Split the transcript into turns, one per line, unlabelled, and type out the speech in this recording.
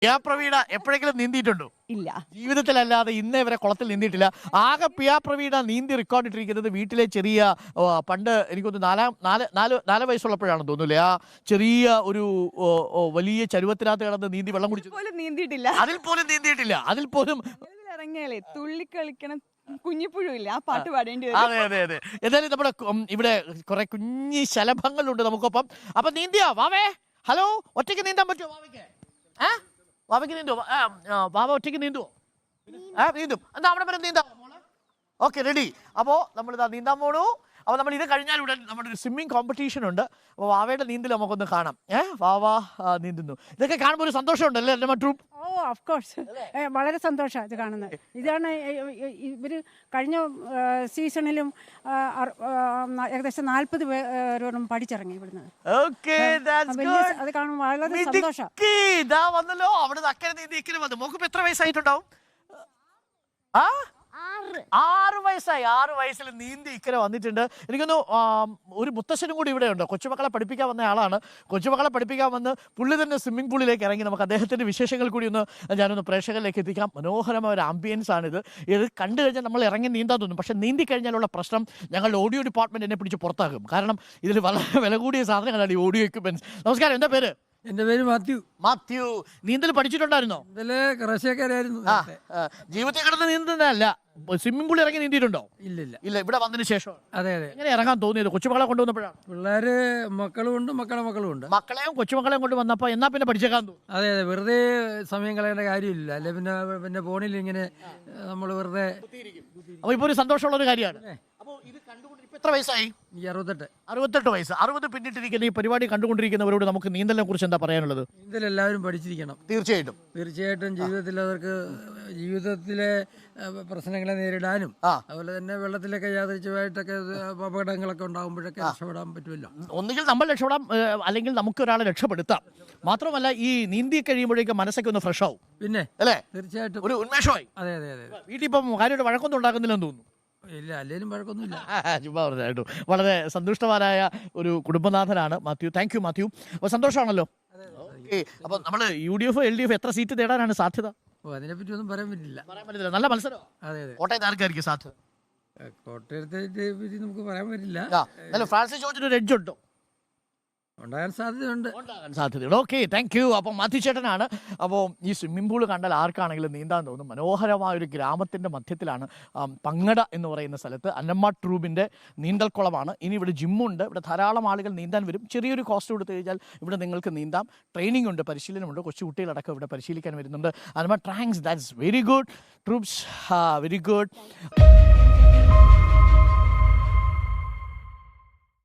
പ്രവീണ എപ്പോഴെങ്കിലും നീന്തിയിട്ടുണ്ടോ?
ഇല്ല,
ജീവിതത്തിലല്ലാതെ ഇന്നേ വരെ കുളത്തിൽ നീന്തിയിട്ടില്ല. ആകെ പ്രവീണ നീന്തി റെക്കോർഡ് ഇട്ടിരിക്കുന്നത് വീട്ടിലെ ചെറിയ പണ്ട് എനിക്കൊന്ന് നാല് വയസ്സുള്ളപ്പോഴാണെന്ന് തോന്നുന്നില്ലേ, ആ ചെറിയ ഒരു വലിയ ചരുവത്തിനകത്ത് കിടന്ന് നീന്തി വെള്ളം കുടിച്ചു.
നീന്തിയിട്ടില്ല.
അതിൽ പോലും നീന്തിയിട്ടില്ല. അതിൽ പോലും
ഇറങ്ങിയാലേ തുള്ളി കളിക്കണം കുഞ്ഞിപ്പുഴുമില്ല, ആ പാട്ട് പാടേണ്ടി വരും.
അതെ അതെ അതെ. എന്തായാലും നമ്മുടെ ഇവിടെ കുറെ കുഞ്ഞി ശലഭങ്ങളുണ്ട് നമുക്കൊപ്പം. അപ്പൊ നീന്തിയാ വാവേ? ഹലോ, ഒറ്റയ്ക്ക് നീന്താൻ പറ്റുമോ വാവയ്ക്ക്? വാവയ്ക്ക് നീന്തുവോ? വാവ ഒറ്റയ്ക്ക് നീന്തുവോ? നീന്തും. എന്താ അവിടെ വരെ നീന്താം? Okay, ready. അപ്പോൾ നമ്മളിതാ നീന്താൻ പോണു. അപ്പോൾ നമ്മൾ ഇത് കഴിഞ്ഞാൽ ഉടൻ നമ്മുടെ ഒരു സ്വിമ്മിങ് കോമ്പറ്റീഷൻ ഉണ്ട്. അപ്പോൾ വാവയുടെ നീന്തൽ നമുക്കൊന്ന് കാണാം. വാവ നീന്തുന്നു. ഇതൊക്കെ കാണുമ്പോൾ ഒരു സന്തോഷമുണ്ടല്ലേ എൻ്റെ മറ്റും?
ഓ, ഓഫ് കോഴ്സ്, വളരെ സന്തോഷമാണ് ഇത് കാണുന്നത്. ഇതാണ് ഇവർ കഴിഞ്ഞ സീസണിലും ഏകദേശം 40 പേരോടും പഠിച്ചിറങ്ങി ഇവിടുന്ന്. അത് കാണുമ്പോൾ വളരെ സന്തോഷം.
ഇതാ വന്നല്ലോ, അവിടെ അക്കരെ നീന്തി ഇക്കരെ വന്നു. മോക്കിപ്പോ എത്ര വയസ്സായിട്ടുണ്ടാവും? 6 വയസ്സായി. 6 വയസ്സിൽ നീന്തി ഇക്കരെ വന്നിട്ടുണ്ട്. എനിക്കൊന്നു ഒരു മുത്തശ്ശനും കൂടി ഇവിടെ ഉണ്ട്. കൊച്ചുമക്കളെ പഠിപ്പിക്കാൻ വന്ന ആളാണ്. കൊച്ചുമക്കളെ പഠിപ്പിക്കാൻ വന്ന് പുള്ളി തന്നെ സ്വിമ്മിംഗ് പൂളിലേക്ക് ഇറങ്ങി. നമുക്ക് അദ്ദേഹത്തിന്റെ വിശേഷങ്ങൾ കൂടി ഞാനൊന്ന് പ്രേക്ഷകരിലേക്ക് എത്തിക്കാം. മനോഹരമായ ഒരു ആംബിയൻസ് ആണിത്. ഇത് കണ്ടു കഴിഞ്ഞാൽ നമ്മൾ ഇറങ്ങി നീന്താൻ തോന്നും. പക്ഷെ നീന്തി കഴിഞ്ഞാലുള്ള പ്രശ്നം, ഞങ്ങളുടെ ഓഡിയോ ഡിപ്പാർട്ട്മെന്റ് എന്നെ പിടിച്ച് പുറത്താക്കും. കാരണം ഇതിൽ വളരെ വില കൂടിയ സാധനങ്ങളാണ് ഈ ഓഡിയോ എക്യുപ്മെന്റ്സ്. നമസ്കാരം, എന്താ പേര്?
എന്റെ പേര് മാത്യു.
നീന്തൽ പഠിച്ചിട്ടുണ്ടായിരുന്നോ? ജീവിതത്തിൽ കിടന്ന് നീന്തുന്നതല്ല, സ്വിമ്മിംഗ് പൂളിൽ ഇറങ്ങി നീന്തിയിട്ടുണ്ടോ?
ഇല്ല.
ഇവിടെ വന്നതിന് ശേഷം.
അതെ.
എങ്ങനെ ഇറങ്ങാൻ തോന്നിയത്? കൊച്ചുമക്കളെ കൊണ്ടുവന്നപ്പോഴാണ്?
പിള്ളേര് മക്കളും ഉണ്ട്, മക്കളും ഉണ്ട്.
മക്കളെയും കൊച്ചുമക്കളെയും കൊണ്ട് വന്നപ്പോ എന്നാ പിന്നെ പഠിച്ചേക്കാൻ തോന്നും.
അതെ, വെറുതെ സമയം കളയേണ്ട കാര്യമില്ല. അല്ലെ പിന്നെ ഫോണിൽ ഇങ്ങനെ നമ്മൾ വെറുതെ.
അപ്പൊ ഇപ്പൊ ഒരു സന്തോഷമുള്ള ഒരു കാര്യമാണ്. അപ്പൊ ഇത് കണ്ടുകൊണ്ട് എത്ര വയസ്സായി? 68 വയസ്സ്. 60 പിന്നിട്ടിരിക്കുന്ന ഈ പരിപാടി കണ്ടുകൊണ്ടിരിക്കുന്നവരോട് നമുക്ക് നീന്തലിനെ കുറിച്ച് എന്താ പറയാനുള്ളത്?
നീന്തൽ എല്ലാവരും പഠിച്ചിരിക്കണം. തീർച്ചയായിട്ടും ജീവിതത്തിലെ പ്രശ്നങ്ങളെ നേരിടാനും അതുപോലെ തന്നെ വെള്ളത്തിലൊക്കെ യാദൃച്ഛികമായിട്ടൊക്കെ അപകടങ്ങളൊക്കെ ഉണ്ടാകുമ്പോഴൊക്കെ രക്ഷപ്പെടാൻ പറ്റുമല്ലോ.
ഒന്നുകിൽ നമ്മൾ രക്ഷപ്പെടാം, അല്ലെങ്കിൽ നമുക്ക് ഒരാളെ രക്ഷപ്പെടുത്താം. മാത്രമല്ല ഈ നീന്തി കഴിയുമ്പോഴേക്കും മനസ്സൊക്കെ ഒന്ന് ഫ്രഷ് ആവും.
പിന്നെ
അല്ലേ?
തീർച്ചയായിട്ടും
ഒരു ഉന്മേഷമായി.
അതെ.
വീട്ടിൽ ഇപ്പം കാര്യമായിട്ട് വഴക്കൊന്നും ഉണ്ടാക്കുന്നില്ലെന്ന് തോന്നുന്നു.
ഇല്ല, അല്ലേലും വഴക്കൊന്നുമില്ല.
ചുമ്മാ പറഞ്ഞായിട്ടു. വളരെ സന്തുഷ്ടവാനായ ഒരു കുടുംബനാഥനാണ് മാത്യു. Thank you Mathew. അപ്പോൾ സന്തോഷമാണല്ലോ. അപ്പൊ നമ്മള് UDF LDF എത്ര സീറ്റ് നേടാനാണ് സാധ്യത?
അതിനെപ്പറ്റി ഒന്നും പറയാൻ പറ്റില്ല.
നല്ല മത്സരം.
അതെ.
കോട്ടയത്ത് ആർക്കായിരിക്കും സാധ്യത?
കോട്ടയത്തെ പറ്റി നമുക്ക് പറയാൻ പറ്റില്ല.
ഫ്രാൻസിസ് ജോർജിന് ഒരു എഡ്ജ് ഉണ്ടോ?
ഉണ്ടാകാൻ സാധ്യതയുണ്ട്.
Okay, thank you. അപ്പം മാത്യു ചേട്ടനാണ്. അപ്പോൾ ഈ സ്വിമ്മിംഗ് പൂൾ കണ്ടാൽ ആർക്കാണെങ്കിലും നീന്താൻ തോന്നും. മനോഹരമായ ഒരു ഗ്രാമത്തിൻ്റെ മധ്യത്തിലാണ്, പങ്ങട എന്ന് പറയുന്ന സ്ഥലത്ത് അന്നമ്മ ട്രൂബിൻ്റെ നീന്തൽക്കുളമാണ്. ഇനി ഇവിടെ ജിമ്മുണ്ട്. ഇവിടെ ധാരാളം ആളുകൾ നീന്താൻ വരും. ചെറിയൊരു കോസ്റ്റ് കൊടുത്തു കഴിഞ്ഞാൽ ഇവിടെ നിങ്ങൾക്ക് നീന്താം. ട്രെയിനിങ് ഉണ്ട്, പരിശീലനമുണ്ട്. കൊച്ചു കുട്ടികളടക്കം ഇവിടെ പരിശീലിക്കാൻ വരുന്നുണ്ട്. Annamma, thanks, that's very good troops, very good.